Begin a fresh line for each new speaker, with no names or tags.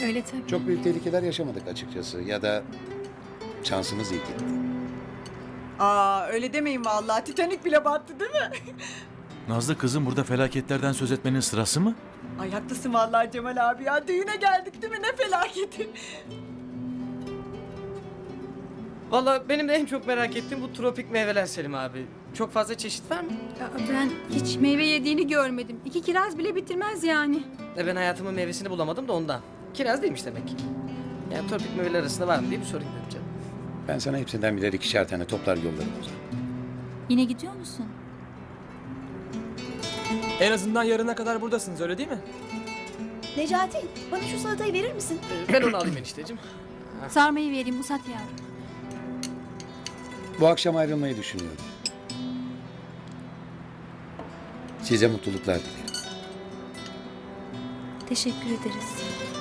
Öyle tabii.
Çok büyük tehlikeler yaşamadık açıkçası. Ya da şansımız iyi gitti.
Aa öyle demeyin vallahi. Titanik bile battı değil mi?
Nazlı kızım, burada felaketlerden söz etmenin sırası mı?
Ay haklısın vallahi Cemal abi ya. Düğüne geldik değil mi? Ne felaketi.
Valla benim de en çok merak ettiğim bu tropik meyveler Selim abi. Çok fazla çeşit var mı?
Ben hiç meyve yediğini görmedim. 2 kiraz bile bitirmez yani.
Ben hayatımın meyvesini bulamadım da ondan. Kiraz değilmiş demek ki. Yani tropik meyveler arasında var mı diye bir sorayım dedim canım.
Ben sana hepsinden birer 2'şer tane toplar yollarım o zaman.
Yine gidiyor musun?
En azından yarına kadar buradasınız, öyle değil mi?
Necati, bana şu salatayı verir misin?
Ben onu alayım enişteciğim.
Sarmayı vereyim, uzat yavrum.
Bu akşam ayrılmayı düşünüyorum. Size mutluluklar dilerim.
Teşekkür ederiz.